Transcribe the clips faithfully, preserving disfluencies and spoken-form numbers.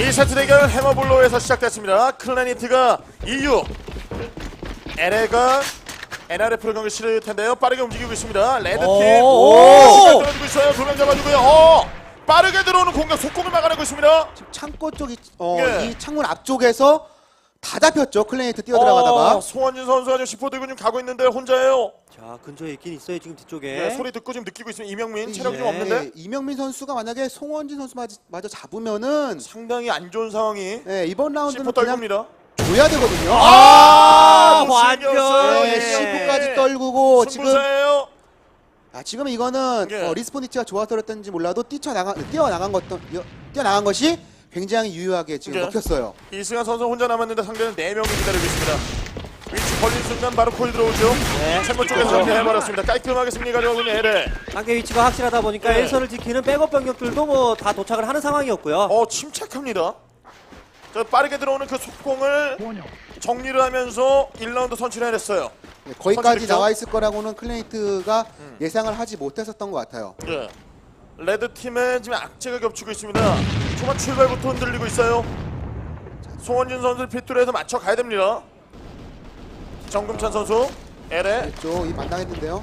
이 세트 대결 해머블로에서 시작됐습니다. 클래니트가 이유, 엘에이가 엔알에프로 경기 치를 텐데요. 빠르게 움직이고 있습니다. 레드팀 시간 떨어지고 있어요. 두 명 잡아주고요. 어, 빠르게 들어오는 공격 속공을 막아내고 있습니다. 지금 창고 쪽이 어, 예. 이 창문 앞쪽에서 다 잡혔죠. 클래니트 뛰어들어가다가. 어, 송원진 선수가 지금 시포 들고 지금 가고 있는데 혼자예요. 자, 근처에 있긴 있어요. 지금 뒤쪽에. 네, 소리 듣고 지금 느끼고 있으면 이명민 체력이 예. 좀 없는데 이명민 선수가 만약에 송원진 선수 마저, 마저 잡으면은 상당히 안 좋은 상황이 네, 이번 라운드는 시포 그냥 떨굽니다. 줘야 되거든요. 아, 완전. 네, 예. 시포까지 떨구고 지금 승부사예요. 아, 지금 이거는 예. 어, 리스폰 위치가 좋아서 그랬던지 몰라도 뛰쳐나가, 뛰어나간 것, 뛰어나간 것이 굉장히 유효하게 지금 예. 먹혔어요. 이승환 선수 혼자 남았는데 상대는 네 명이 기다리고 있습니다. 위치 걸린 순간 바로 코일 들어오죠. 네. 창문 쪽에서 정리해버렸습니다. 깔끔하게 승리 가져오고 있는 엘에이. 상대 위치가 확실하다 보니까 네. 일선을 지키는 백업 병력들도 뭐 다 도착을 하는 상황이었고요. 어, 침착합니다. 저 빠르게 들어오는 그 속공을 정리를 하면서 일 라운드 선취를 해냈어요. 네, 거기까지 선취득점? 나와 있을 거라고는 클래니트가 음. 예상을 하지 못했었던 것 같아요. 예. 레드 팀에 지금 악재가 겹치고 있습니다. 초반 출발부터 흔들리고 있어요. 송원진 선수 핏줄에서 맞춰 가야 됩니다. 정금찬 선수, 엘에 그렇죠. 이 만당했는데요.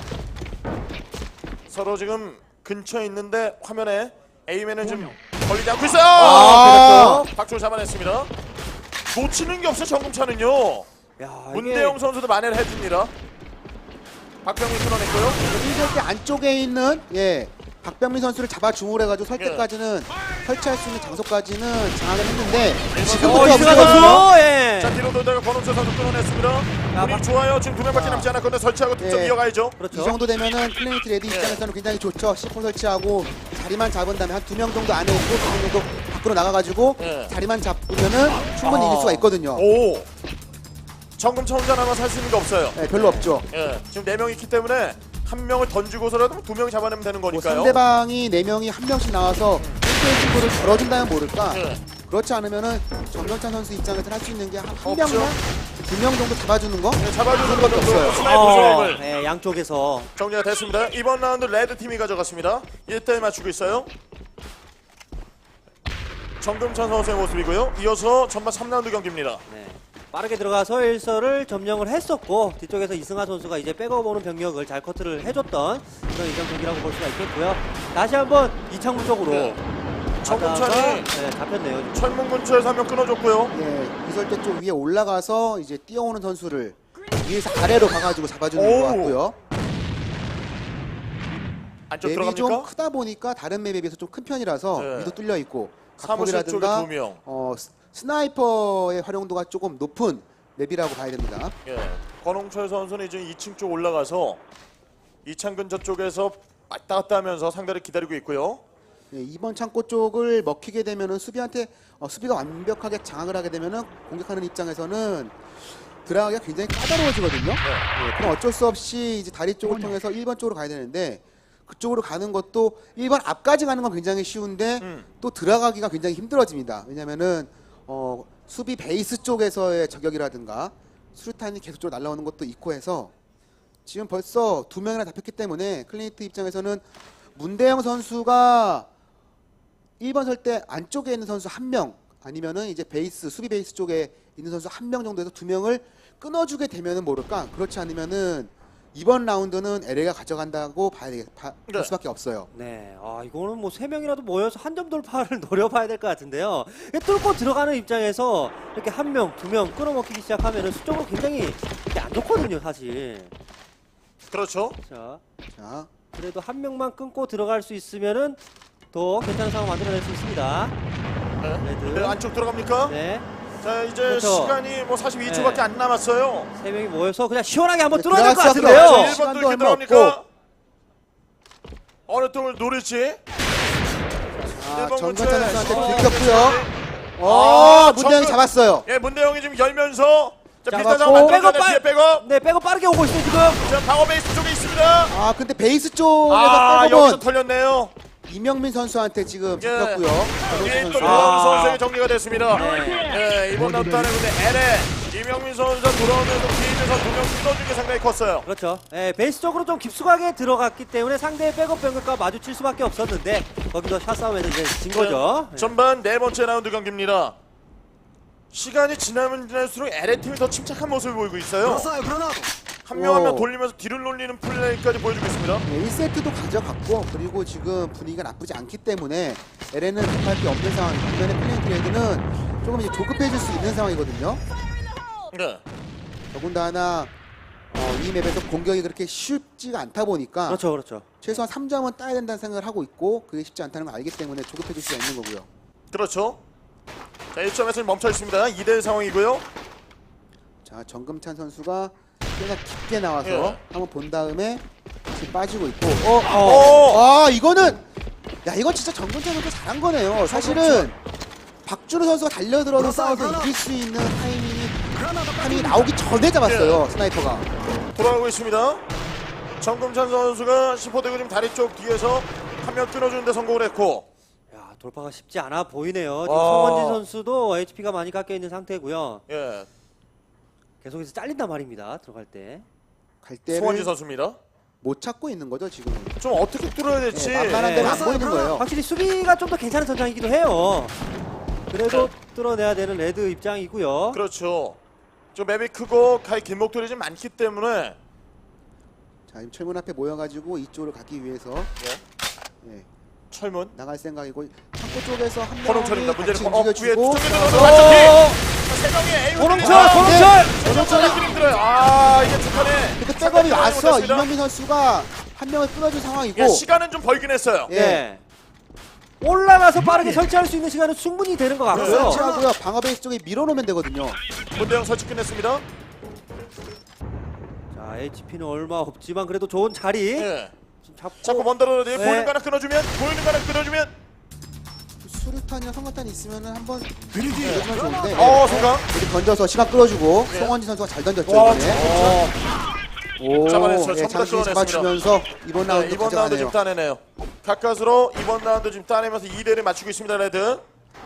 서로 지금 근처에 있는데 화면에 에이맨은 좀 걸리지 않고 있어요. 아, 그렇죠. 박주호 잡아냈습니다. 놓치는 게 없어 정금찬은요. 야, 문대영 선수도 만회를 해줍니다. 박병민 끊어냈고요. 일절 때 안쪽에 있는 예 박병민 선수를 잡아 주물해가지고 설 예. 때까지는 설치할 수 있는 장소까지는 장악을 했는데 어, 지금부터 이승환 문제거든요. 선수. 예. 자 뒤로 돌다가 권홍철 선수 끊어냈습니다. 분위기 박- 좋아요. 지금 두 명밖에 남지 않았건데 설치하고 득점 예. 이어가야죠. 그렇죠. 이 정도 되면은 클래니트 레디 예. 입장에서는 굉장히 좋죠. 시폰 설치하고 자리만 잡은 다음에 한 두 명 정도 안에 있고 두 명 정도 밖으로 나가가지고 예. 자리만 잡으면은 충분히 아. 이길 수가 있거든요. 오. 정금찬 혼자 남아서 할 수 있는 게 없어요. 예, 별로 없죠. 예. 지금 네 명이 있기 때문에 한 명을 던지고서라도 두 명이 잡아내면 되는 뭐 거니까요. 상대방이 네 명이 한 명씩 나와서 일 대일 승부를 걸어준다면 모를까. 예. 그렇지 않으면은 정경찬 선수 입장에서 할 수 있는 게 한 없죠. 명이나 두 명 정도 잡아주는 거. 예, 잡아주는 그런 것도 것도 없어요. 스나이퍼 어, 조합을 예, 양쪽에서. 정리가 됐습니다. 이번 라운드 레드 팀이 가져갔습니다. 일 대 일 맞추고 있어요. 정금찬 선수의 모습이고요. 이어서 전반 삼 라운드 경기입니다. 네. 빠르게 들어가서 일선을 점령을 했었고 뒤쪽에서 이승하 선수가 이제 백업 오는 병력을 잘 커트를 해줬던 그런 이전 경기라고 볼 수가 있겠고요. 다시 한번 이창문 쪽으로 네. 가다가, 정금찬이 네, 잡혔네요. 지금. 철문 근처에서 한 명 끊어줬고요. 예, 이설대 쪽 위에 올라가서 이제 뛰어오는 선수를 위에서 아래로 가가지고 잡아주는 오우. 것 같고요. 안쪽 맵이 좀 들어갑니까? 크다 보니까 다른 맵에 비해서 좀 큰 편이라서 네. 위도 뚫려 있고 사무실 쪽에 각폭이라든가 두 명. 어, 스- 스나이퍼의 활용도가 조금 높은 맵이라고 봐야 됩니다. 예. 권홍철 선수는 이제 이 층 쪽 올라가서 이창 근처 쪽에서 왔다 갔다 하면서 상대를 기다리고 있고요. 예, 이번 창고 쪽을 먹히게 되면은 수비한테 어, 수비가 완벽하게 장악을 하게 되면은 공격하는 입장에서는 들어가기가 굉장히 까다로워지거든요. 예, 그럼 어쩔 수 없이 이제 다리 쪽을 통해서 일 번 쪽으로 가야 되는데 그쪽으로 가는 것도 일 번 앞까지 가는 건 굉장히 쉬운데 음. 또 들어가기가 굉장히 힘들어집니다. 왜냐면은 어, 수비 베이스 쪽에서의 저격이라든가 수류탄이 계속적으로 날라오는 것도 있고 해서 지금 벌써 두 명이나 잡혔기 때문에 클리니트 입장에서는 문대영 선수가 일 번 설 때 안쪽에 있는 선수 한 명 아니면은 이제 베이스 수비 베이스 쪽에 있는 선수 한 명 정도에서 두 명을 끊어주게 되면은 모를까. 그렇지 않으면은 이번 라운드는 엘에이가 가져간다고 봐야 되겠, 봐, 네. 볼 수밖에 없어요. 네, 아 이거는 뭐 세 명이라도 모여서 한 점 돌파를 노려봐야 될 것 같은데요. 뚫고 들어가는 입장에서 이렇게 한 명, 두 명 끌어먹히기 시작하면은 수적으로 굉장히 이게 안 좋거든요, 사실. 그렇죠. 자, 자, 그래도 한 명만 끊고 들어갈 수 있으면은 더 괜찮은 상황 만들어낼 수 있습니다. 네. 레드. 네, 안쪽 들어갑니까? 네, 자 이제 그렇죠. 시간이 뭐 사십이 초밖에 네. 안 남았어요. 세 명이 모여서 그냥 시원하게 한번 네, 뚫어야 될 것 들어갈 수 같은데요. 없어요. 일 번도 시간도 이렇게 얼마 들어갑니까? 어느 쪽을 노릴지. 아, 일 번 정근찬 근처에. 선수한테 어, 들켰고요. 어, 아, 문대영이 정근- 잡았어요. 예, 문대영이 지금 열면서 자 잡았고. 비슷한 상황 백업 만들어내 빨- 뒤에 백업. 네, 백업 빠르게 오고 있어요 지금. 자 방어 베이스 쪽에 있습니다. 아, 근데 베이스 쪽에서 아 여기서 백업은 털렸네요. 이명민 선수한테 지금 예. 잡혔고요. 위에 또 선수. 노원 아. 선수에게 정리가 됐습니다. 네. 예, 이번 라운드 안에 근데 엘에 이명민 선수가 돌아오면서 뒤에서 두 명 끊어준 게 상당히 컸어요. 그렇죠. 예, 베이스 쪽으로 좀 깊숙하게 들어갔기 때문에 상대의 백업 병력과 마주칠 수밖에 없었는데 거기서 샷 싸움에서 이제 진 거죠. 예. 전반 네 번째 라운드 경기입니다. 시간이 지나면 지날수록 엘에이팀이 더 침착한 모습을 보이고 있어요. 한 명 한 명 오. 돌리면서 뒤를 놀리는 플레이까지 보여주고 있습니다. 네, 일 세트도 가져갔고 그리고 지금 분위기가 나쁘지 않기 때문에 엘에는 급할 게 없는 상황이고 반면에 클래니트 레드는 조금 이제 조급해질 수 있는 상황이거든요. 네. 더군다나 어, 이 맵에서 공격이 그렇게 쉽지가 않다 보니까 그렇죠, 그렇죠. 최소한 삼 점은 따야 된다는 생각을 하고 있고 그게 쉽지 않다는 걸 알기 때문에 조급해질 수가 있는 거고요. 그렇죠. 자, 일 점에서 멈춰 있습니다. 이 대 일 상황이고요. 자, 정금찬 선수가 꽤나 깊게 나와서 예. 한번 본 다음에 지금 빠지고 있고 어, 어! 아 이거는 야 이건 진짜 정근찬 선수 잘한 거네요. 사실은 박준호 선수가 달려들어서 싸워서 이길 수 있는 타이밍이 타이밍이 나오기 전에 잡았어요. 스나이퍼가. 돌아가고 있습니다. 정금찬 선수가 시포대고 지금 다리 쪽 뒤에서 한 명 끊어주는데 성공을 했고, 야, 돌파가 쉽지 않아 보이네요. 지금 와. 성원진 선수도 에이치피가 많이 깎여 있는 상태고요. 예, 계속해서 잘린단 말입니다. 들어갈 때. 갈 송원진 때를 선수입니다. 못 찾고 있는 거죠 지금. 좀 어떻게 뚫어야 될지. 네, 만만한 데는 안 예. 보이는 거예요. 확실히 수비가 좀 더 괜찮은 전장이기도 해요. 그래도 뚫어내야 되는 레드 입장이고요. 그렇죠. 좀 맵이 크고 가히 길목들이 좀 많기 때문에. 자 지금 철문 앞에 모여가지고 이쪽으로 가기 위해서 예, 예, 철문. 나갈 생각이고 창고 쪽에서 한 명이 호롱철입니다. 문제는 같이 어, 위에 움직여주고 투척이 어, 들어서 맞췄기. 세 명의 에이 호롱철, 아, 호롱철! 호롱철이 힘들어요. 아, 이게 북한에. 근데 백업이 왔어. 이명민 선수가 한 명을 끊어준 상황이고 예, 시간은 좀 벌긴 했어요. 예. 예. 올라가서 빠르게 설치할 수 있는 시간은 충분히 되는 것 같고요. 설치하고요. 방어 베이스 쪽에 밀어놓으면 되거든요. 문대영 설치 끝냈습니다. 자, 에이치피는 얼마 없지만 그래도 좋은 자리 예. 좀 잡고. 자꾸 먼데로 네. 보이는 거 하나 끊어주면, 보이는 거 하나 끊어주면. 수류탄이나 성탄이 있으면은 한번 밀어주면 좋은데 어, 성강. 이렇게 던져서 시간 끌어주고 네. 송원진 선수가 잘 던졌죠 와, 이번에. 어, 오, 잡아냈어요. 예, 전부 다 장신이 끌어냈습니다. 잡아주면서 이번 네, 라운드 이번 라운드 지금 가져가네요. 따내네요. 가까스로 이번 라운드 지금 따내면서 이 대를 맞추고 있습니다, 레드.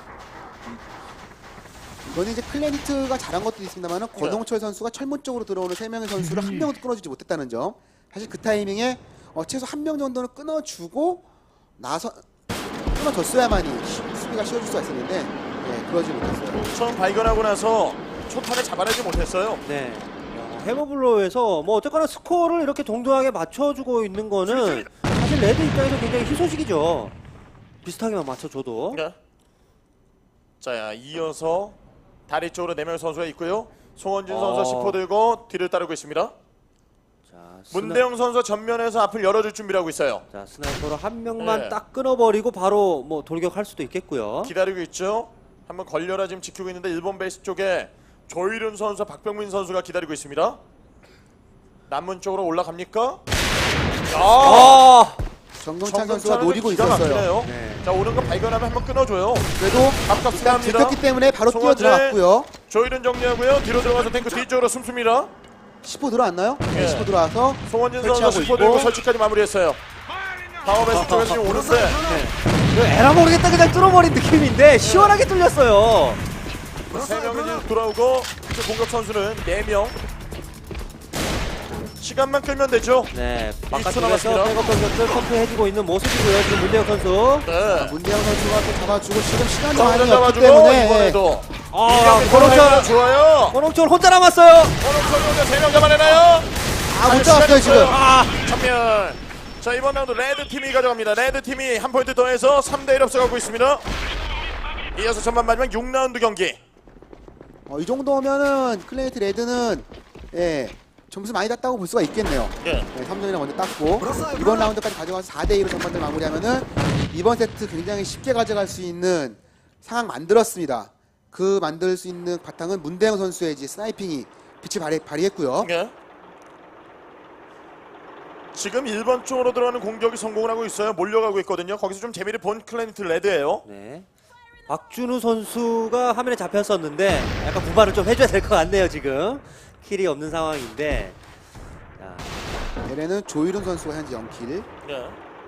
이거는 이제 클래니트가 잘한 것도 있습니다만 권홍철 선수가 철문 쪽으로 들어오는 세 명의 선수를 한 명도 끊어주지 못했다는 점. 사실 그 타이밍에 어, 최소 한 명 정도는 끊어주고 나서 끊어줬어야만이 시- 수비가 쉬워질 수가 있었는데 예, 그러지 못했어요. 처음 발견하고 나서 초탄을 잡아내지 못했어요. 네. 야, 해머블로에서 뭐 어쨌거나 스코어를 이렇게 동등하게 맞춰주고 있는 거는 사실 레드 입장에서 굉장히 희소식이죠. 비슷하게만 맞춰줘도. 네. 자, 이어서 다리 쪽으로 네 명의 선수가 있고요. 송원진 어. 선수가 시포 들고 뒤를 따르고 있습니다. 자, 스나... 문대영 선수가 전면에서 앞을 열어줄 준비를 하고 있어요. 자, 스나이퍼로 한 명만 네. 딱 끊어버리고 바로 뭐 돌격할 수도 있겠고요. 기다리고 있죠. 한번 걸려라 지금 지키고 있는데 일본 베이스 쪽에 조일훈 선수, 박병민 선수가 기다리고 있습니다. 남문 쪽으로 올라갑니까? 야! 아! 정동찬 선수가 정근찬은 노리고 기가 있었어요. 막히네요. 네. 자, 오는 거 발견하면 한번 끊어줘요. 그래도 아깝습니다. 일단 들켰기 때문에 바로 뛰어 송원진. 들어갔고요. 조일훈 정리하고요. 뒤로 들어가서 탱크 뒤쪽으로 숨습니다. 시포 들어왔나요? 예. 네, 시포 들어와서 송원진 설치하고 선수 시포 들고 있고. 설치까지 마무리했어요. 방어 베이스 쪽에서 지금 오는데 이거 에라 모르겠다 그냥 뚫어버린 느낌인데 시원하게 뚫렸어요. 세 명이 지금 돌아오고 이제 공격 선수는 네 명. 시간만 끌면 되죠. 네, 초 바깥쪽에서 남았습니다. 백업 공격들 컨트해주고 있는 모습이고요. 지금 문대혁 선수. 네. 문대영 선수가 또 잡아주고 지금 시간이 자, 많이 없기 잡아주고 때문에 이번에도 아, 이경민 권홍철, 선수가 좋아요. 권홍철 혼자 남았어요. 권홍철 혼자 세 명 잡아내나요? 아, 못 아니, 잡았어요 시간이 지금. 없어요. 아, 전면. 자, 이번 라운드 레드 팀이 가져갑니다. 레드 팀이 한 포인트 더해서 삼 대 일 앞서가고 있습니다. 이어서 전반 마지막 육 라운드 경기. 어, 이 정도면은 클래니트 레드는 예, 점수 많이 땄다고 볼 수가 있겠네요. 예. 네, 삼 점이나 먼저 땄고 이번 라운드까지 가져가서 사 대 이로 전반전 마무리하면은 이번 세트 굉장히 쉽게 가져갈 수 있는 상황 만들었습니다. 그 만들 수 있는 바탕은 문대영 선수의 이제 스나이핑이 빛을 발휘, 발휘했고요. 예. 지금 일 번 쪽으로 들어가는 공격이 성공을 하고 있어요. 몰려가고 있거든요. 거기서 좀 재미를 본 클래니트 레드예요. 네. 박준우 선수가 화면에 잡혔었는데 약간 부발을 좀 해줘야 될 것 같네요. 지금 킬이 없는 상황인데. 자, 얘네는 조일훈 선수가 현재 영 킬. 예.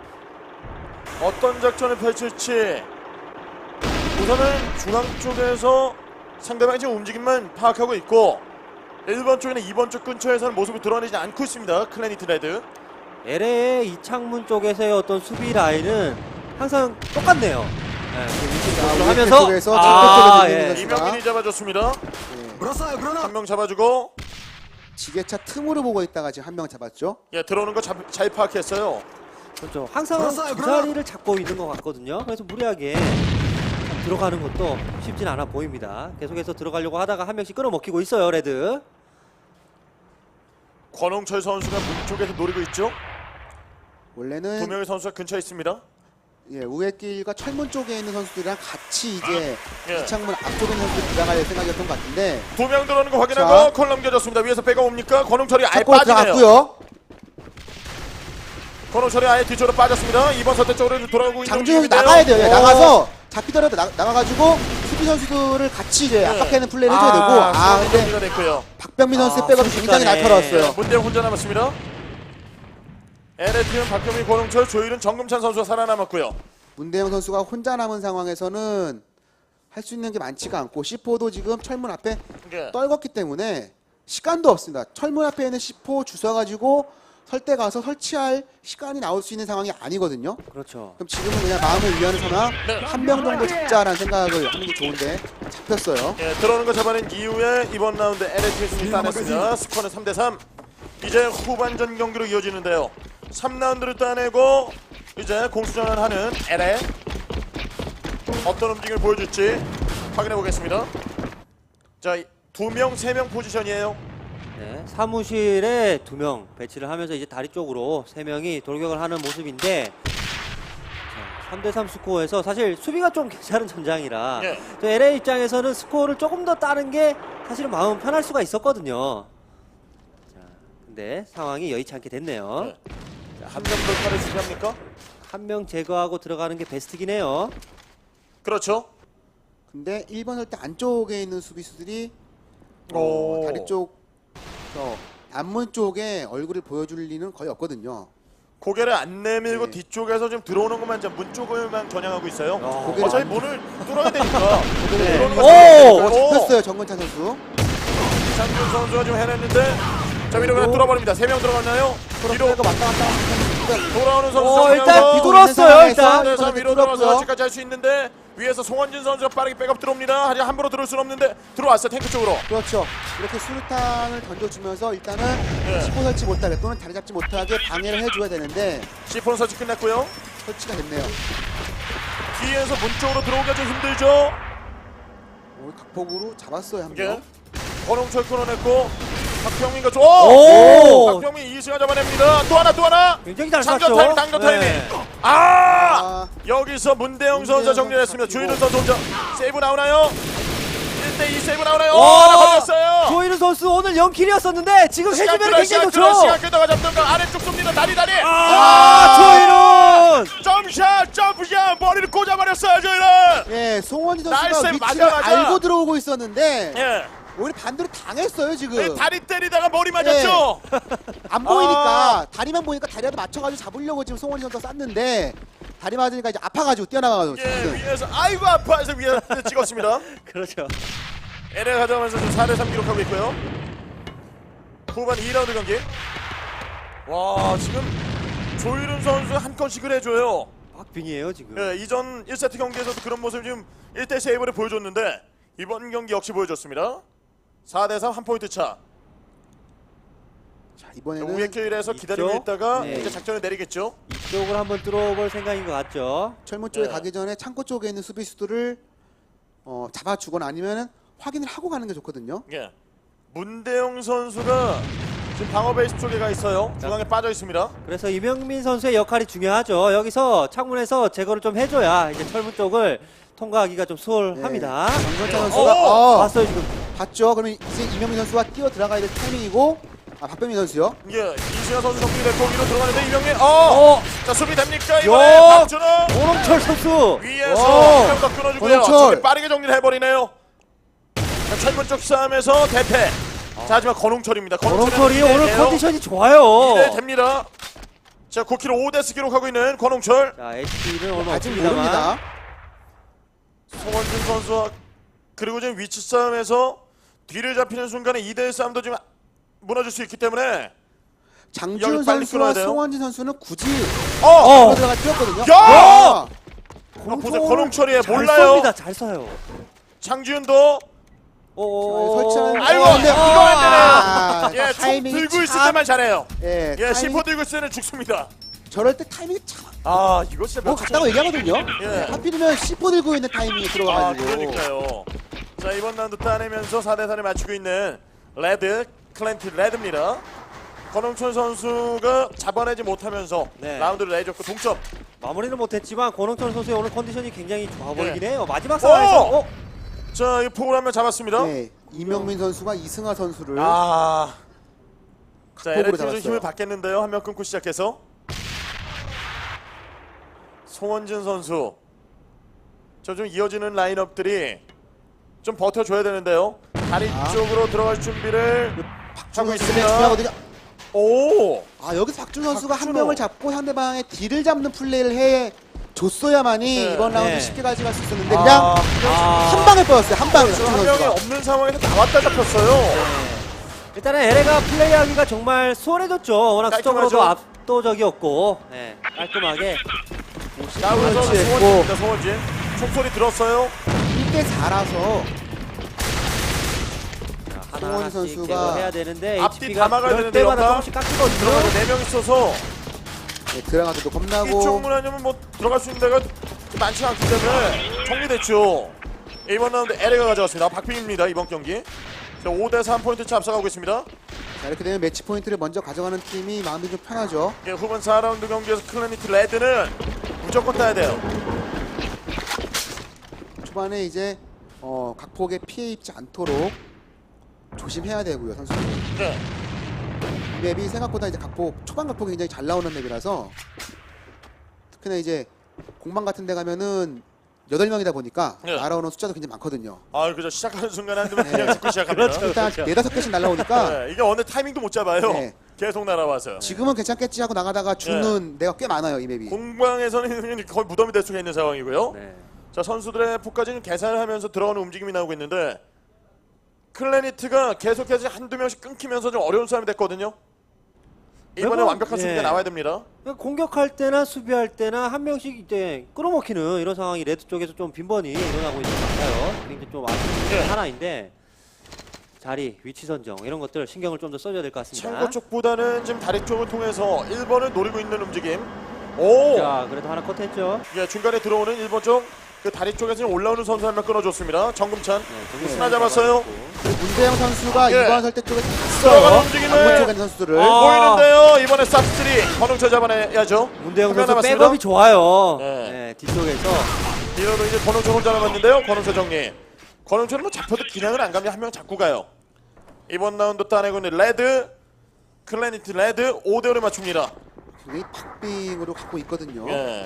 어떤 작전을 펼칠지 우선은 중앙 쪽에서 상대방의 지금 움직임만 파악하고 있고 일 번 쪽이나 이 번 쪽 근처에서는 모습이 드러내지 않고 있습니다. 클래니트 레드. 엘에이의 이창문 쪽에서의 어떤 수비 라인은 항상 똑같네요. 네, 그 위치 자, 조절을 우회 하면서 쪽에서 아, 적극적으로 예. 들리는 이명민이 잡아줬습니다. 예. 한 명 잡아주고 지게차 틈으로 보고 있다가 지금 한 명 잡았죠. 예, 들어오는 거 잘 파악했어요. 그렇죠. 항상 두 자리를 잡고 있는 것 같거든요. 그래서 무리하게 들어가는 것도 쉽진 않아 보입니다. 계속해서 들어가려고 하다가 한 명씩 끌어먹히고 있어요, 레드. 권홍철 선수가 문 쪽에서 노리고 있죠. 두 원래는 명의 선수가 근처에 있습니다. 예, 우회길과 철문 쪽에 있는 선수들이랑 같이 이제 예. 이창문 앞쪽에 있는 선수들 들어갈 생각이었던 것 같은데 두 명 들어오는 거 확인하고 자. 콜 넘겨줬습니다. 위에서 배가 옵니까? 권홍철이 아예 첫골 빠지네요. 들어갔고요. 권홍철이 아예 뒤쪽으로 빠졌습니다. 이번 선택 쪽으로 돌아오고 있는 장준혁이 중인데요. 나가야 돼요. 예, 오. 나가서 잡히더라도 나, 나가가지고 수비 선수들을 같이 이제 압박하는 플레이를 해줘야 되고 아 근데 정리가 됐고요. 박병민 선수의 아, 백업이 굉장히 순식간에. 날카로웠어요. 문대영 혼자 남았습니다. 엘에이팀은 박경민, 권홍철, 조일은, 정금찬 선수가 살아남았고요. 문대영 선수가 혼자 남은 상황에서는 할 수 있는 게 많지가 않고 씨포도 지금 철문 앞에 예. 떨궜기 때문에 시간도 없습니다. 철문 앞에 있는 씨포 주워가지고 설대 가서 설치할 시간이 나올 수 있는 상황이 아니거든요. 그렇죠. 그럼 지금은 그냥 마음을 위하는 상황 네. 한 명 정도 잡자라는 생각을 하는 게 좋은데 잡혔어요. 예, 들어오는 거 잡아낸 이후에 이번 라운드 엘에이팀이 승리 따냈습니다. 스코어는 삼 대 삼. 이제 후반전 경기로 이어지는데요. 삼 라운드를 따내고 이제 공수전하는 엘에이 어떤 움직임을 보여줄지 확인해 보겠습니다. 자, 두 명, 세 명 포지션이에요. 네, 사무실에 두 명 배치를 하면서 이제 다리 쪽으로 세 명이 돌격을 하는 모습인데 삼 대 삼 스코어에서 사실 수비가 좀 괜찮은 전장이라 예. 또 엘에이 입장에서는 스코어를 조금 더 따는 게 사실은 마음 편할 수가 있었거든요. 자, 근데 상황이 여의치 않게 됐네요. 네. 한 명 돌파를 준비합니까? 한 명 제거하고 들어가는 게 베스트긴 해요. 그렇죠. 근데 일 번 설대 안쪽에 있는 수비수들이 오. 어, 다리 쪽 저 앞문 쪽에 얼굴을 보여줄 리는 거의 없거든요. 고개를 안 내밀고 네. 뒤쪽에서 좀 들어오는 것만 좀 문 쪽을만 겨냥하고 있어요. 어. 고개를 어차피 안- 문을 뚫어야 되니까. 네. 들어오는 거 오! 잡아야 어, 되고. 잡혔어요 정근찬 선수. 장준 선수가 좀 해냈는데 자 위로 그냥 뚫어버립니다. 세 명 들어갔나요? 위로 왔다 갔다 하면서 돌아오는 선수 어, 일단 정면으로 비돌았어요, 일단. 네, 자 위로 들어가서 뚫었고요. 아직까지 할 수 있는데 위에서 송원진 선수가 빠르게 백업 들어옵니다. 하지만 함부로 들어올 수는 없는데 들어왔어요. 탱크 쪽으로. 그렇죠. 이렇게 수류탄을 던져주면서 일단은 네. 시포 설치 못하게 또는 다리 잡지 못하게 방해를 해줘야 되는데 시폰 설치 끝냈고요. 설치가 됐네요. 뒤에서 문 쪽으로 들어오기가 좀 힘들죠. 오, 각폭으로 잡았어요 한 이게 명. 권홍철 끊어냈고 박병민과 조. 오! 박병민 이승환 잡아냅니다. 또 하나 또 하나. 굉장히 잘 장전 쐈죠. 타임 장전 타이밍. 네. 아! 아, 여기서 문대영 선수가 문대영 정리했습니다. 선수 주인은 선수 혼자 세이브 나오나요? 일 대 이 세이브 나오나요? 오! 하나 걸렸어요. 조이르 선수 오늘 영 킬이었었는데 지금 시간 해주면 끌어 굉장히 시간 좋죠. 끌어 시간 끌다가 잡던가 아래쪽 쏩니다. 다리 다리. 아, 조이룬! 점샷 점프샷 머리를 꽂아버렸어요 저희는. 예, 송원희 날쌘 선수가 위치를 맞아맞아. 알고 들어오고 있었는데 예. 오히려 반대로 당했어요 지금. 네, 다리 때리다가 머리 맞았죠. 안 보이니까 다리만 보니까 다리라도 맞춰가지고 잡으려고 지금 송원희 선수가 쐈는데 다리 맞으니까 이제 아파가지고 뛰어나가가지고 예, 지금. 위에서 아이고 아파해서 위에 찍었습니다. 그렇죠. 에레 가져가면서 지금 사 대 삼 기록하고 있고요. 후반 이 라운드 경기. 와 지금 조일훈 선수 한 건씩을 해줘요. 박빙이에요 지금. 예, 이전 일 세트 경기에서도 그런 모습을 지금 일 대 세이브를 보여줬는데 이번 경기 역시 보여줬습니다. 사 대 삼 한 포인트 차. 자 이번에는 우회 길에서 기다리고 있죠? 있다가 네. 이제 작전을 내리겠죠. 이쪽을 한번 뚫어볼 생각인 것 같죠. 철문 쪽에 네. 가기 전에 창고 쪽에 있는 수비수들을 어, 잡아주거나 아니면은 확인을 하고 가는 게 좋거든요. 예. 문대영 선수가 지금 방어 베이스 쪽에 가 있어요. 중앙에 빠져 있습니다. 그래서 이명민 선수의 역할이 중요하죠. 여기서 창문에서 제거를 좀 해줘야 이제 철문 쪽을 통과하기가 좀 수월합니다. 네. 정근찬 네. 선수가 오! 어, 봤어요 지금. 봤죠. 그러면 이제 이명민 선수가 뛰어 들어가야 될 타이밍이고 아 박병민 선수요. 예, 이승현 선수 정리됐고 위로 들어가는데 이명민 어! 어, 자 수비 됩니까 이번에 요! 박준호 오롱철 선수. 위에서 한명더 끊어주고요. 오른쪽. 저기 빠르게 정리를 해버리네요. 자, 철문 쪽 싸움에서 대패. 자 하지만 건홍철입니다. 오롱철이 오늘 컨디션이 좋아요. 네 됩니다. 자 구 킬로미터 오 데스 기록하고 있는 건홍철. 자, 에이치피는 오늘 아직 없습니다만. 모릅니다. 송원준 선수와 그리고 지금 위치 싸움에서 뒤를 잡히는 순간에 이 대일 싸움도 좀 무너질 수 있기 때문에 장지훈 여기 빨리 끊어야 선수와 돼요. 송원진 선수는 굳이 어! 어! 들어가 뛰었거든요. 야! 아! 아, 보세요. 권홍철이에요. 잘 몰라요. 쏩니다. 잘 쏴요. 장지훈도 오, 설치하는- 아이고 어, 근데 이거 아, 안 되네요. 예, 총 타이밍이 들고 있을 참- 때만 잘해요. 예, 예, 타이밍이- 시포 들고 있을 때는 죽습니다. 저럴 때 타이밍이 참 아, 이거 진짜 뭐 몇 같다고 얘기하거든요. 예. 네, 하필이면 씨포 들고 있는 타이밍이 아, 들어가가지고. 그러니까요. 자, 이번 라운드 따내면서 사 대 사를 맞추고 있는 레드, 클랜트 레드입니다. 권홍철 선수가 잡아내지 못하면서 네. 라운드를 내줬고 동점. 마무리는 못했지만 권홍철 선수의 오늘 컨디션이 굉장히 좋아 보이긴 예. 해요. 마지막 상황에서 오! 어? 자, 이 폭을 한 명 잡았습니다. 네, 이명민 선수가 이승하 선수를 아. 자, 극복으로 엘에이티가 좀 잡았어요. 힘을 받겠는데요. 한 명 끊고 시작해서. 송원진 선수. 저 좀 이어지는 라인업들이 좀 버텨줘야 되는데요. 다리 아. 쪽으로 들어갈 준비를 하고 박준호 선수가 있습니다. 중요하거든요. 오! 아 여기서 박준호 선수가 한 박준호. 명을 잡고 상대방의 딜을 잡는 플레이를 해 줬어야만이 네. 이번 라운드 네. 쉽게 가져갈 수 있었는데 아, 그냥 아. 한 방에 뻗었어요. 한 방에 지금 박준호 한 명이 선수가. 없는 상황에서 나왔다 잡혔어요. 네. 일단은 에레가 플레이하기가 정말 수월해졌죠. 워낙 수적으로도 깔끔하죠? 압도적이었고 네, 깔끔하게 나오면서 그렇지, 송원진입니다. 송원진. 총소리 들었어요. 일 대 사라서 하나 송원진 하나씩 선수가 제거해야 되는데 앞뒤 에이치피가 다 막아야 그럴 되는데 때마다 역할. 조금씩 깎이거든요. 들어가서 네 명 있어서 네, 들어가서도 이쪽 겁나고 문 아니면 뭐 들어갈 수 있는 데가 많지 않기 때문에 정리됐죠. 이번 라운드 에레가 가져갔습니다. 박빙입니다. 이번 경기. 오 대 삼 포인트 차 앞서가고 있습니다. 자, 이렇게 되면 매치 포인트를 먼저 가져가는 팀이 마음이 좀 편하죠. 예, 후반 사 라운드 경기에서 클래니티 레드는 무조건 따야 돼요. 초반에 이제 어, 각폭에 피해 입지 않도록 조심해야 되고요, 선수들. 네. 이 맵이 생각보다 이제 각폭 초반 각폭이 굉장히 잘 나오는 맵이라서 특히나 이제 공방 같은 데 가면은 여덟 명이다 보니까 네. 날아오는 숫자도 굉장히 많거든요. 아, 그죠. 시작하는 순간 한 대만 네. 그냥 죽고 시작합니다. 그렇죠. 일단 네다섯 개씩 날아오니까 네, 이게 어느 타이밍도 못 잡아요. 네. 계속 날아와서. 지금은 괜찮겠지 하고 나가다가 죽는 데가 꽤 많아요, 이 맵이. 공방에서는 거의 무덤이 될 수가 있는 상황이고요. 네. 자, 선수들의 폭까지는 계산을 하면서 들어오는 움직임이 나오고 있는데 클래니트가 계속해서 한두 명씩 끊기면서 좀 어려운 싸움이 됐거든요. 이번에 매번, 완벽한 수비가 네. 나와야 됩니다. 그러니까 공격할 때나 수비할 때나 한 명씩 이제 끌어먹히는 이런 상황이 레드 쪽에서 좀 빈번히 일어나고 있는 것 같아요. 굉장히 좀 아쉬운 게 예. 하나인데 자리, 위치 선정 이런 것들 신경을 좀 더 써줘야 될 것 같습니다. 창고 쪽보다는 지금 다리 쪽을 통해서 일 번을 노리고 있는 움직임. 오! 자, 그래도 하나 컷했죠. 예, 중간에 들어오는 일 번 쪽 그 다리 쪽에서 올라오는 선수 한 명 끊어줬습니다. 정금찬. 네, 하나 잡았어요. 문대영 선수가 예. 이 번 설대 쪽에 들어가는 zas어요. 움직임을. 안문 쪽에 있는 선수들을. 아. 보이는데요. 이번에 쌉쓰리 권홍철 잡아내야죠. 문대영 한명 선수 남았습니다. 백업이 좋아요. 네. 네, 뒤쪽에서 이러도 이제 권홍철 혼자 남았는데요. 권홍철 정리. 권홍철은 뭐 잡혀도 기량은 안 갑니다. 한 명 잡고 가요. 이번 라운드 따내고 있는 레드 클래니티 레드 오 대 오를 맞춥니다. 굉장히 박빙으로 갖고 있거든요. 예.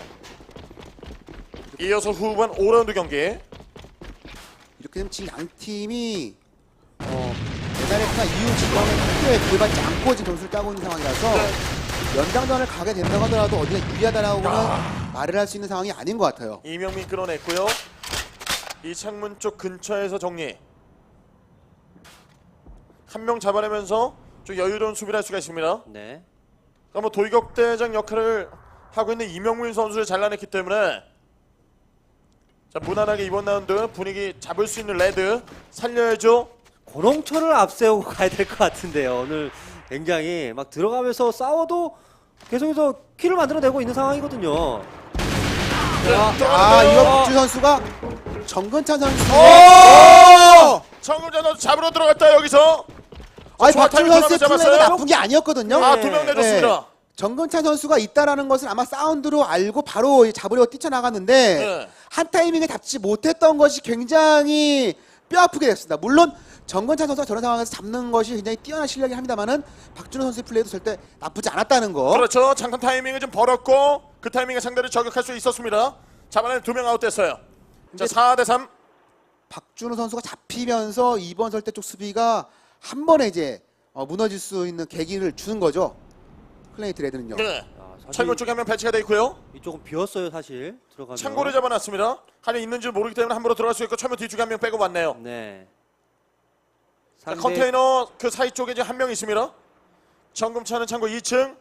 이어서 후반 오 라운드 경기. 이렇게 되면 지금 양 팀이 어, 메달레스나 이후 지금은 학교에 구애받지 않고 지금 점수를 따고 있는 상황이라서 연장전을 가게 된다고 하더라도 어디가 유리하다라고는 말을 할 수 있는 상황이 아닌 것 같아요. 이명민 끌어냈고요. 이 창문 쪽 근처에서 정리. 한 명 잡아내면서 좀 여유로운 수비를 할 수가 있습니다. 네. 그러니까 뭐 돌격대장 역할을 하고 있는 이명민 선수를 잘라냈기 때문에 자, 무난하게 이번 라운드 분위기 잡을 수 있는 레드 살려야죠. 권홍철을 앞세우고 가야 될 것 같은데요. 오늘 굉장히 막 들어가면서 싸워도 계속해서 키를 만들어내고 있는 상황이거든요. 아, 이거 박주 선수가 정근찬 선수. 오! 정금자 선수 잡으러 들어갔다 여기서. 아니 좋아, 박주 타이밍 선수의 잡았어요. 플레이가 나쁜 게 아니었거든요. 아, 두 명 내줬습니다. 정근찬 선수가 있다라는 것을 아마 사운드로 알고 바로 잡으려고 뛰쳐나갔는데 네. 한 타이밍에 잡지 못했던 것이 굉장히 뼈아프게 됐습니다. 물론 정근찬 선수가 저런 상황에서 잡는 것이 굉장히 뛰어난 실력이 합니다만은 박준호 선수의 플레이도 절대 나쁘지 않았다는 거. 그렇죠. 잠깐 타이밍을 좀 벌었고 그 타이밍에 상대를 저격할 수 있었습니다. 잡아내 두 명 아웃됐어요. 자, 사 대 삼. 박준호 선수가 잡히면서 이번 설대 쪽 수비가 한 번에 이제 어, 무너질 수 있는 계기를 주는 거죠. 클레이트 레드는요. 네. 아, 사실 창고 쪽에 한 명 배치가 돼 있고요. 이쪽은 비었어요, 사실. 들어가면. 창고를 잡아놨습니다. 한명 있는지 모르기 때문에 함부로 들어갈 수 있고 철문 뒤쪽에 한 명 빼고 왔네요. 네. 자, 상대- 컨테이너 그 사이 쪽에 지금 한 명 있습니다. 정금차는 창고 이 층.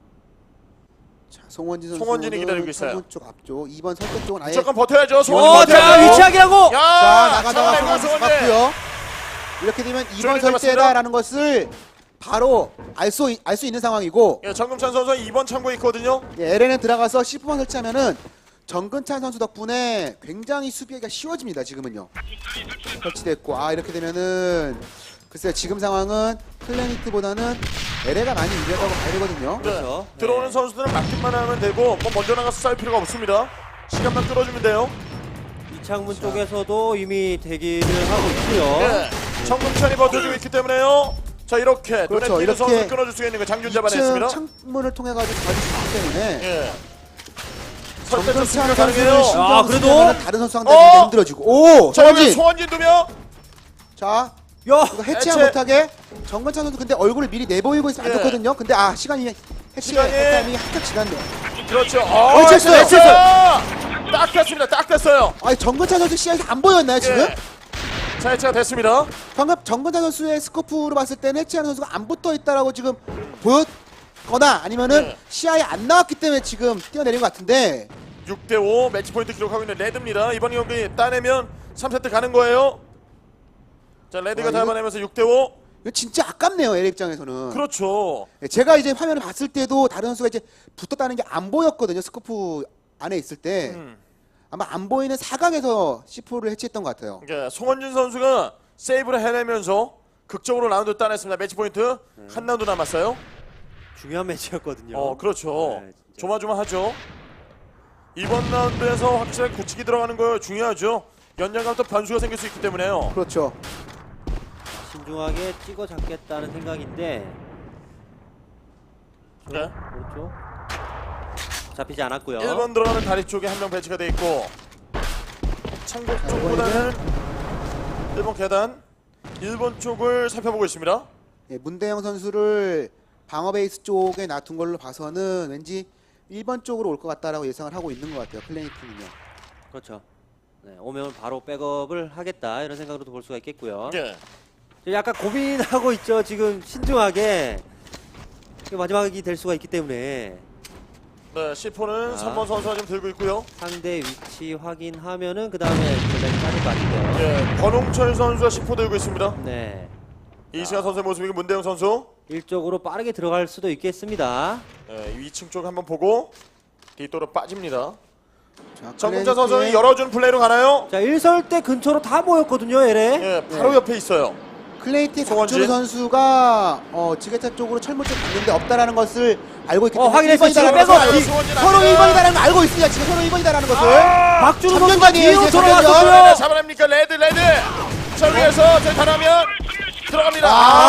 자, 송원진 선수 송원진이 기다리고 있어요. 쪽 앞쪽 이 번 설대 쪽은 아예 무조건 버텨야죠. 송원진 오, 버텨야죠. 자 위치하기라고. 야, 자 나가다가 잡아내고 송원진 송원진. 잡았고요. 이렇게 되면 이 번 잡았습니다. 설대다라는 것을 바로 알 수 알 수 있는 상황이고 예, 정금찬 선수 이 번 창고에 있거든요. 예, 엘엔에 들어가서 십 번 설치하면은 정근찬 선수 덕분에 굉장히 수비하기가 쉬워집니다. 지금은요. 설치됐고 아 이렇게 되면은 글쎄요 지금 상황은 클래니트보다는 엘에가 많이 유리하다고 봐야 되거든요. 네. 그렇죠. 들어오는 네. 선수들은 맡기만 하면 되고 뭐 먼저 나가서 싸울 필요가 없습니다. 시간만 끌어주면 돼요. 이창문 쪽에서도 이미 대기를 하고 있고요. 예. 정금찬이 버텨주고 있기 때문에요. 자 이렇게 그렇죠. 눈에 띄는 선수 이렇게 끊어줄 수 있는 거 장준 이 잡아냈습니다. 층 창문을 통해 가지고 가질 수 있기 때문에 예. 설대 정근찬 좋습니다. 선수를 가능해요. 신경 아, 그래도? 쓰면은 다른 선수 상대가 어! 힘들어지고 오 자 여기 송원진 송원진 두 명. 자 야, 이거 해체 해체. 못하게 정근찬 선수 근데 얼굴을 미리 내보이고 있으면 안 예. 좋거든요. 근데 아 시간이 해체 시간이- 타이밍이 한참 지났네요. 그렇죠. 어, 해체했어요. 해체했어요. 딱 됐습니다. 딱 됐어요. 아니 정근찬 선수 시야에서 안 보였나요 지금? 예. 자 해체가 됐습니다. 방금 정근찬 선수의 스코프로 봤을 때는 해체하는 선수가 안 붙어 있다라고 지금 보였거나 아니면은 네. 시야에 안 나왔기 때문에 지금 뛰어내린 것 같은데 육 대 오 매치 포인트 기록하고 있는 레드입니다. 이번 경기 따내면 삼 세트 가는 거예요. 자 레드가 아, 이거- 잡아내면서 육 대 오. 이거 진짜 아깝네요 엘에 입장에서는. 그렇죠. 예, 제가 이제 화면을 봤을 때도 다른 선수가 이제 붙었다는 게 안 보였거든요 스코프 안에 있을 때 음. 아마 안 보이는 사각에서 씨포를 해체했던 것 같아요. 그러니까 송원진 선수가 세이브를 해내면서 극적으로 라운드 따냈습니다. 매치 포인트 한 라운드 남았어요. 중요한 매치였거든요. 어 그렇죠. 네, 진짜. 조마조마하죠. 이번 라운드에서 확실하게 굳히기 들어가는 거 중요하죠. 연장감 또 변수가 생길 수 있기 때문에요. 그렇죠. 신중하게 찍어 잡겠다는 생각인데. 네. 그렇죠. 잡히지 않았고요. 일 번 들어가는 다리 쪽에 한 명 배치가 돼 있고 창고 쪽보다는 일 번 계단 일 번 쪽을 살펴보고 있습니다. 예, 문대영 선수를 방어 베이스 쪽에 놔둔 걸로 봐서는 왠지 일 번 쪽으로 올 것 같다라고 예상을 하고 있는 것 같아요. 클래니트는요. 그렇죠. 네, 오면 바로 백업을 하겠다 이런 생각으로도 볼 수가 있겠고요. 예. 약간 고민하고 있죠. 지금 신중하게 이게 마지막이 될 수가 있기 때문에 네, 시포는 자. 삼 번 선수가 지금 들고 있고요. 상대 위치 확인하면은 그 다음에 전략이 짜질 것 같은데요. 예, 권홍철 선수가 시포 들고 있습니다. 네, 이승환 선수의 모습이고 문대영 선수. 일적으로 빠르게 들어갈 수도 있겠습니다. 예, 이 층 쪽 한번 보고 뒤도로 빠집니다. 자, 정금자 클래니트의- 선수는 열어준 플레이로 가나요? 자, 일설대 근처로 다 모였거든요, 엘에. 예, 바로 네. 옆에 있어요. 클레이트의 송원진. 박준우 선수가 어, 지게차 쪽으로 철문 쪽 갔는데 없다라는 것을 알고 있기 어, 때문에 확인했어요. 일 번이다라는 지금 것을 백업. 송원진 서로 아닙니다. 일 번이다라는 걸 알고 있습니다. 지금 서로 일 번이다라는 것을. 아! 박준우 선수가 전면전이에요, 뒤로 이제 돌아왔어요. 전면전. 네, 잡아냅니까? 레드, 레드. 저 위에서 저 잘하면 들어갑니다.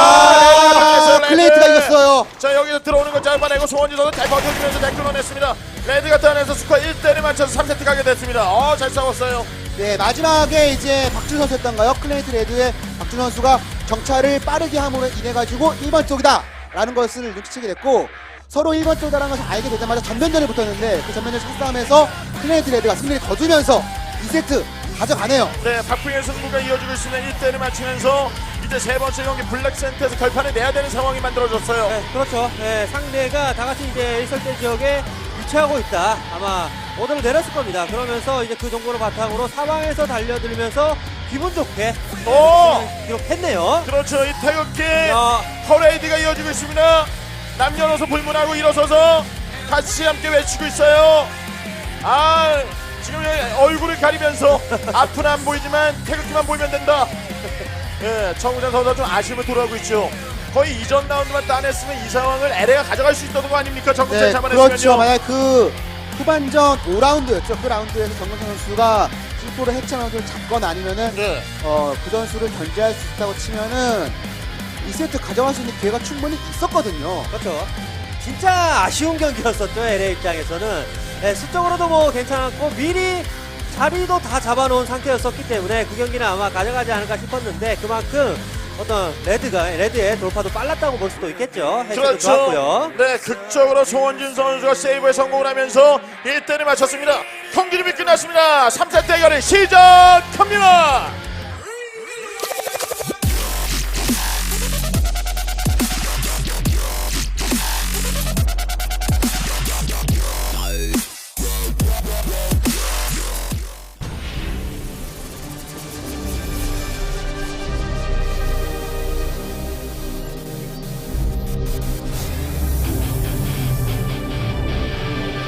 아, 레드. 클레이트가 이겼어요. 자, 여기서 들어오는 걸 짧아내고 송원진 선수 잘 버텨주면서 잘 끊어냈습니다. 레드가 따내서 스코어 일 대를 맞춰서 삼 세트 가게 됐습니다. 어, 잘 싸웠어요. 네, 마지막에 이제 박준우 선수였던가요? 클래니트 레드의 박준우 선수가 정찰을 빠르게 함으로 인해 가지고 일 번 쪽이다 라는 것을 눈치채게 됐고 서로 일 번 쪽이라는 것을 알게 되자마자 전면전을 붙었는데 그 전면전 첫싸움에서 클래니트 레드가 승리를 거두면서 이 세트 가져가네요. 네, 박빙의 승부가 이어지고 있으면 일 대를 맞추면서 이제 세 번째 경기 블랙센터에서 결판을 내야 되는 상황이 만들어졌어요. 네, 그렇죠. 네, 상대가 다 같이 이제 일설대 지역에 위치하고 있다. 아마 오더를 내렸을 겁니다. 그러면서 이제 그 정보를 바탕으로 사방에서 달려들면서 기분 좋게 오! 기록했네요. 그렇죠. 이 태극기 야, 퍼레이드가 이어지고 있습니다. 남녀노소 불문하고 일어서서 같이 함께 외치고 있어요. 아, 지금 여기 얼굴을 가리면서 앞은 안 보이지만 태극기만 보이면 된다. 예, 정우장 선수가 좀 아쉬움을 토로하고 있죠. 거의 이전 라운드만 따냈으면 이 상황을 엘에가 가져갈 수 있었던 거 아닙니까? 정우장 네, 잡아냈으면요. 그렇죠. 만약 그 후반전 오 라운드였죠. 그 라운드에서 정근선 선수가 실포를 해체하는 것을 잡거나 아니면은 네. 어, 그 전술을 견제할 수 있다고 치면은 이 세트 가져갈 수 있는 기회가 충분히 있었거든요. 그렇죠. 진짜 아쉬운 경기였었죠. 엘에이 입장에서는. 네, 수적으로도 뭐 괜찮았고 미리 자리도 다 잡아놓은 상태였었기 때문에 그 경기는 아마 가져가지 않을까 싶었는데 그만큼 어떤 레드가 레드의 돌파도 빨랐다고 볼 수도 있겠죠. 해체도 그렇죠. 좋았고요. 네, 극적으로 송원진 선수가 세이브에 성공을 하면서 일 대를 맞췄습니다. 경기 준비 끝났습니다. 삼 세트 대결이 시작합니다.